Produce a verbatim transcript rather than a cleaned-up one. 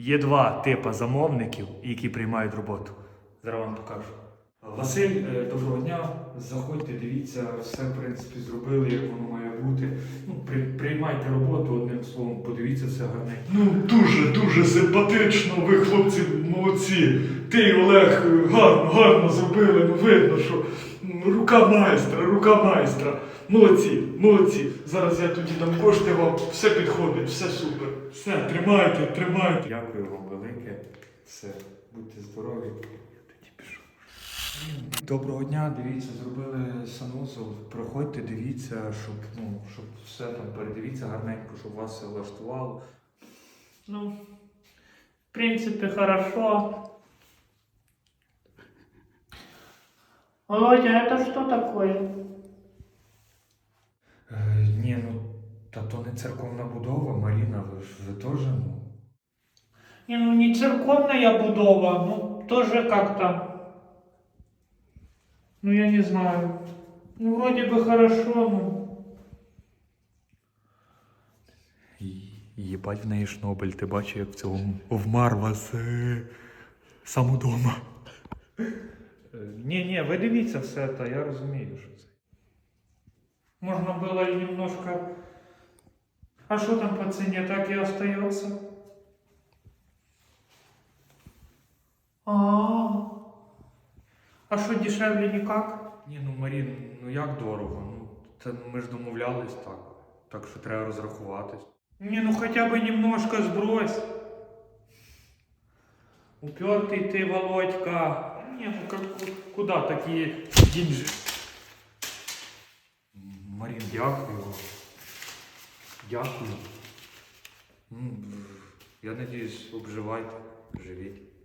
Є два типи замовників, які приймають роботу. Зараз вам покажу. Василь, е, доброго дня. Заходьте, дивіться, все в принципі зробили, як воно має бути. Ну, при, приймайте роботу, одним словом, подивіться все гарненько. Ну, дуже-дуже симпатично, ви, хлопці, молодці. Ти і Олег гарно, гарно зробили, ну видно, що рука майстра, рука майстра. Молодці, молодці. Зараз я тоді дам кошти вам, все підходить, все супер. Все, тримайте, тримайте. Дякую вам велике. Все, будьте здорові. Я тоді пішов. Доброго дня, дивіться, зробили санузел. Проходьте, дивіться, щоб, ну, щоб все там передивіться гарненько, щоб вас все влаштувало. Ну, в принципе, хорошо. Володя, это что такое? Е, ні, ну, та то не церковна будова, Маріна, ви ж ви теж, ну. Не, ну не церковная будова, ну тоже как-то. Ну я не знаю. Ну вроде бы хорошо, ну. Єбать в неї шнобель, ти бачиш, як в цьому вмар вас е, сам удома. Ні, ні, ви дивіться все, та я розумію, що це. Можно было и немножко... А что там по цене, так и остается? А, а что дешевле никак? Ні, ну Марін, ну як дорого? Ну, це ми ж домовлялись так. Так що треба розрахуватись. Не, ну хотя бы немножко сбрось. Упертый ты, Володька. Не, ну как, куда такие деньги? Марін, дякую. Дякую. М, Я надіюсь, обживайте, живіть.